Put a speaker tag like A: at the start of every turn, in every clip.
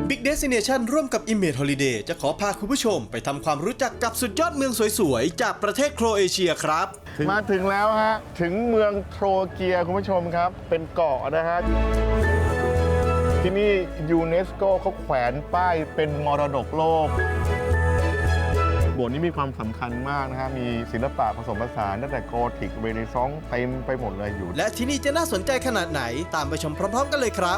A: Big Destination ร่วมกับ Image Holiday จะขอพาคุณผู้ชมไปทำความรู้จักกับสุดยอดเมืองสวยๆ จากประเทศโครเอเชียครับ
B: มาถึงแล้วฮะถึงเมืองโทรเกียคุณผู้ชมครับเป็นเกาะนะฮะที่นี่ยูเนสโกเขาแขวนป้ายเป็นมรดกโลกโบสถ์นี้มีความสำคัญมากนะฮะมีศิลปะผสมผสานตั้งแต่โกธิกเรเนซองส์เต็มไปหมดเลยอยู่
A: และที่นี่จะน่าสนใจขนาดไหนตามไปชมพร้อมๆกันเลยครับ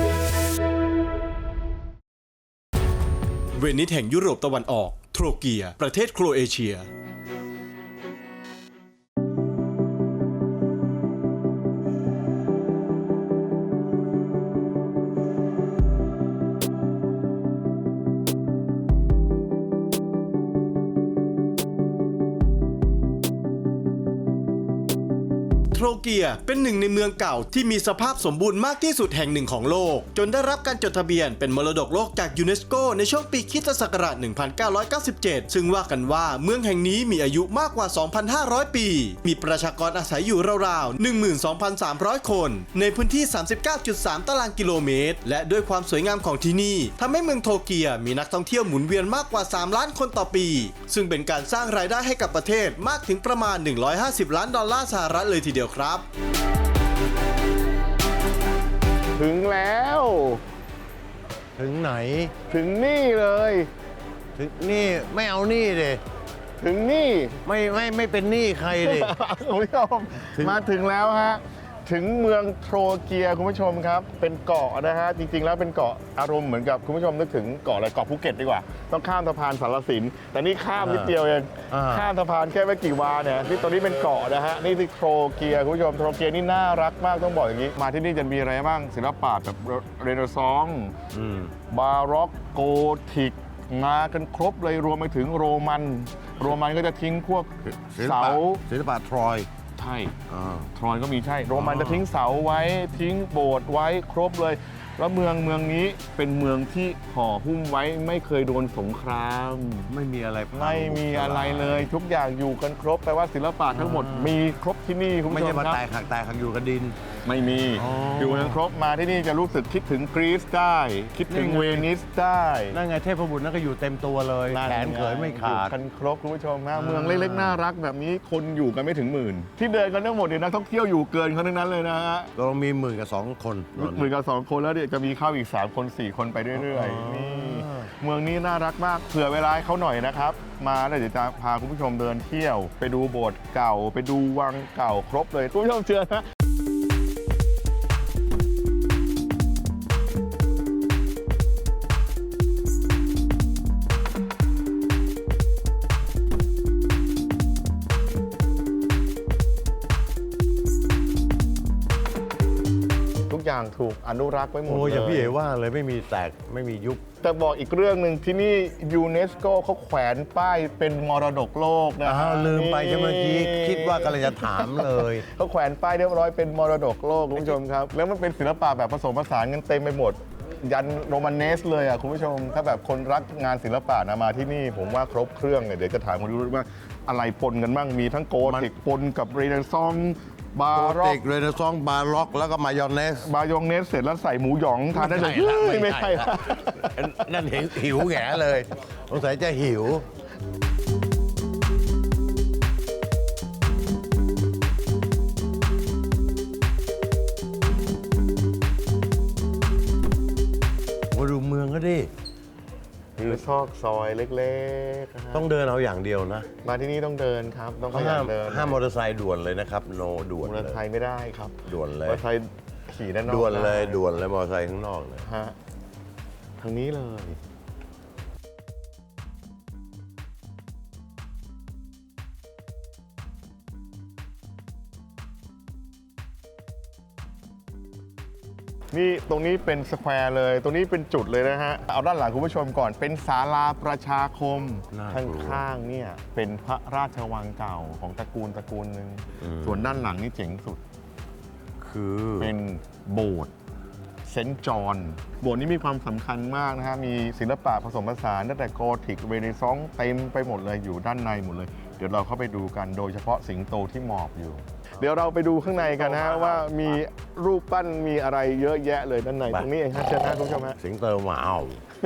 A: เวนิสแห่งยุโรปตะวันออกโทรเกียประเทศโครเอเชียโทรเกียเป็นหนึ่งในเมืองเก่าที่มีสภาพสมบูรณ์มากที่สุดแห่งหนึ่งของโลกจนได้รับการจดทะเบียนเป็นมรดกโลกจากยูเนสโกในช่วงปีค.ศ. 1997 ซึ่งว่ากันว่าเมืองแห่งนี้มีอายุมากกว่า 2,500 ปีมีประชากรอาศัยอยู่ราวๆ 12,300 คนในพื้นที่ 39.3 ตารางกิโลเมตรและด้วยความสวยงามของที่นี่ทำให้เมืองโทรเกียมีนักท่องเที่ยวหมุนเวียนมากกว่า 3 ล้านคนต่อปีซึ่งเป็นการสร้างรายได้ให้กับประเทศมากถึงประมาณ$150 ล้านเลยทีเดียวครับ
B: ถึงแล้ว
C: ถึงไหน
B: ถึงนี่เลย
C: ถึงนี่ไม่เอานี่เลย
B: ถึงนี่
C: ไม่เป็นหนี้ใครเลย
B: คุณผู้ชมมาถึงแล้วฮะถึงเมืองโทรเกียคุณผู้ชมครับเป็นเกาะนะฮะจริงๆแล้วเป็นเกาะอารมณ์เหมือนกับคุณผู้ชมนึกถึงเกาะอะไรเกาะภูเก็ตดีกว่าต้องข้ามสะพานสารสินแต่นี่ข้ามนิดเดียวเองข้ามสะพานแค่ไม่กี่วาเนี่ยนี่ตอนนี้เป็นเกาะนะฮะนี่คือโทรเกียคุณผู้ชมโทรเกียนี่น่ารักมากต้องบอกอย่างนี้มาที่นี่จะมีอะไรบ้างศิลปะแบบเรเนซองส์บาร็อกโกธิกมากันครบเลยรวมไปถึงโรมันก็จะทิ้งพวกเสา
C: ศิลปะทรอย
B: ใช่ทรอยก็มีใช่โรมันจะทิ้งเสาไว้ทิ้งโบสถ์ไว้ครบเลยแล้วเมืองนี้เป็นเมืองที่ห่อหุ้มไว้ไม่เคยโดนสงคราม
C: ไม่มีอะไร
B: เลยทุกอย่างอยู่กันครบแปลว่าศิลปะทั้งหมดมีครบที่นี่คุณผู้ชมครับ
C: ไม่ใช่มาแตกหักอยู่กับดิน
B: ไม่มีอยู่กันครบมาที่นี่จะรู้สึกคิดถึงกรีซได้คิดถึงเวนิสได้
C: นั่นไงเทพบุตรนั่นก็อยู่เต็มตัวเลยแขนเขยไม่ขาด
B: กันครบคุณผู้ชมนะเมืองเล็กๆน่ารักแบบนี้คนอยู่กันไม่ถึงหมื่นที่เดินกันทั้งหมดเนี่ยนักท่องเที่ยวอยู่เกินเขาทั้งนั้นเลยนะฮะ
C: เรามี10,000 คน
B: 10,000 คนแล้วเดี๋ยวจะมีเข้าอีก3 คน 4 คนไปเรื่อยๆนี่เมืองนี้น่ารักมากเผื่อเวลาให้เขาหน่อยนะครับมาแล้วเดี๋ยวจะพาคุณผู้ชมเดินเที่ยวไปดูโบสถ์เก่าไปดูวังเก่าครบเลยคุณผู้ชมเชื่อนะอย่างถูกอนุรักษ์ไว้หมดเลย
C: อย่างพี่เอ๋ว่าเลยไม่มีแตกไม่มียุบ
B: แต่บอกอีกเรื่องหนึ่งที่นี่ยูเนสโกเขาแขวนป้ายเป็นมรดกโลกนะ
C: ลืมไปใช่เมื่อกี้คิดว่ากำลังจะถามเลย
B: เขาแขวนป้ายเรียบร้อยเป็นมรดกโลกคุณผู้ชมครับแล้วมันเป็นศิลปะแบบผสมผสานกันเต็มไปหมดยันโรมันเนสเลยอ่ะคุณผู้ชมถ้าแบบคนรักงานศิลปะนะมาที่นี่ผมว่าครบเครื่องเลยเดี๋ยวจะถามคุณดูว่าอะไรปนกันบ้างมีทั้งโกธิกปนกับเรเนซองส์
C: บาร็อกเรเนซองส์บาร็อกแล้วก็มายองเนส
B: เสร็จแล้วใส่หมูหยองทานได้เลยไม่ใช่
C: นั่นหิวแง่เลยสงสัยจะหิวมาดูเมืองก็ดิ
B: อยู่ซอกซอยเล็ก
C: ๆต้องเดินเอาอย่างเดียวนะ
B: มาที่นี่ต้องเดินครับต้อง
C: ห้ามมอเตอร์ไซค์ด่วนเลยนะครับด่วน
B: มอเตอร์ไซค์ไม่ได้ครับ
C: ด่วนเลย
B: มอเตอร์ไซค์ขี่ด้านนอก
C: ด่วนเลยมอเตอร์ไซค์ข้างนอกเลย
B: ฮะทางนี้เลยนี่ตรงนี้เป็นสแควร์เลยตรงนี้เป็นจุดเลยนะฮะเอาด้านหลังคุณผู้ชมก่อนเป็นศาลาประชาคมข้างๆเนี่ยเป็นพระราชวังเก่าของตระกูลหนึ่งส่วนด้านหลังนี่เจ๋งสุด
C: คือ
B: เป็นโบสถ์เซนต์จอห์นโบสถ์นี้มีความสำคัญมากนะฮะมีศิลปะผสมผสานตั้งแต่โกธิกเรเนซองส์เต็มไปหมดเลยอยู่ด้านในหมดเลยเดี๋ยวเราเข้าไปดูกันโดยเฉพาะสิงโตที่หมอบอยู่เดี๋ยวเราไปดูข้างในกันนะฮะว่ามีรูปปั้นมีอะไรเยอะแยะเลยด้านในตรงนี้เองฮะเชิญนะคุณผู้ชมฮะ
C: สิงเตอร์หมาเอา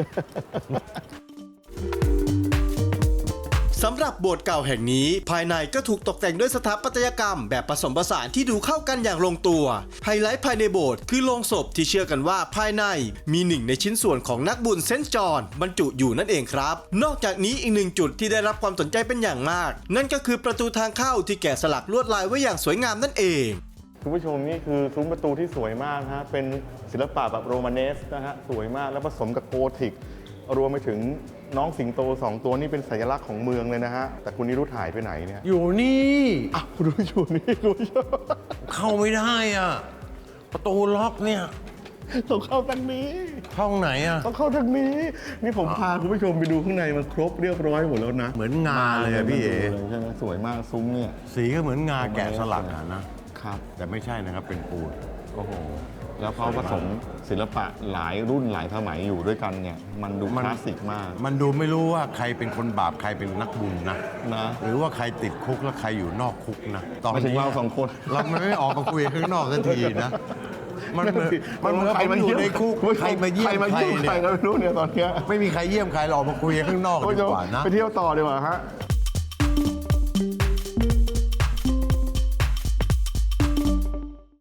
A: สำหรับโบสถ์เก่าแห่งนี้ภายในก็ถูกตกแต่งด้วยสถาปัตยกรรมแบบผสมผสานที่ดูเข้ากันอย่างลงตัวไฮไลท์ภายในโบสถ์คือโลงศพที่เชื่อกันว่าภายในมีหนึ่งในชิ้นส่วนของนักบุญเซนต์จอห์นบรรจุอยู่นั่นเองครับนอกจากนี้อีกหนึ่งจุดที่ได้รับความสนใจเป็นอย่างมากนั่นก็คือประตูทางเข้าที่แกะสลักลวดลายไว้อย่างสวยงามนั่นเอง
B: คุณผู้ชมนี่คือซุ้มประตูที่สวยมากฮะเป็นศิลปะแบบโรมาเนสนะฮะสวยมากแล้วผสมกับโกธิกรวมไปถึงน้องสิงโต2ตัวนี่เป็นสัญลักษณ์ของเมืองเลยนะฮะแต่คุณนิรุธหายไปไหนเนี่ย
C: อยู่นี่
B: อ้าวคุณผู้ชมนี่คุณผู้ชม
C: เข้าไม่ได้อ่ะ ประตูล็อกเนี่ย
B: ต้องเข้าทางนี้
C: ห้องไหนอ่ะ
B: ต้องเข้าทางนี้นี่ผมพาคุณผู้ชมไปดูข้างในมันครบเรียบร้อยหมดแล้วนะ
C: เหมือนงาเลยอะพี่เอ๋
B: ใช่ไหมสวยมากซุ้มเนี่ย
C: สีก็เหมือนงาแกะสลักอะนะ
B: ครับ
C: แต่ไม่ใช่นะครับเป็นปูน
B: โอ้โหแล้วเขาผสมศิลปะหลายรุ่นหลายสมัยอยู่ด้วยกันเนี่ยมันดูคลาสสิกมาก
C: มันดูไม่รู้ว่าใครเป็นคนบาปใครเป็นนักบุญนะ
B: นะ
C: หรือว่าใครติดคุกแล้วใครอยู่นอกคุกนะตอน
B: ไม่ถึง
C: นี้
B: เราสองคน
C: เราไม่ออกมาคุยข้างนอกสักทีนะ มันเหมือนผมอยู่ในคุกใครมาเยี่ยมใคร
B: ใคร
C: เนี่ย
B: ก็ไม่รู้เนี่ยตอนเนี้ย
C: ไม่มีใครเยี่ยมใครเราออกมาคุยกันข้างนอก
B: คุณ
C: ดี
B: ผู้ชม
C: กว่านะ
B: ไปเที่ยวต่อดีกว่าฮะ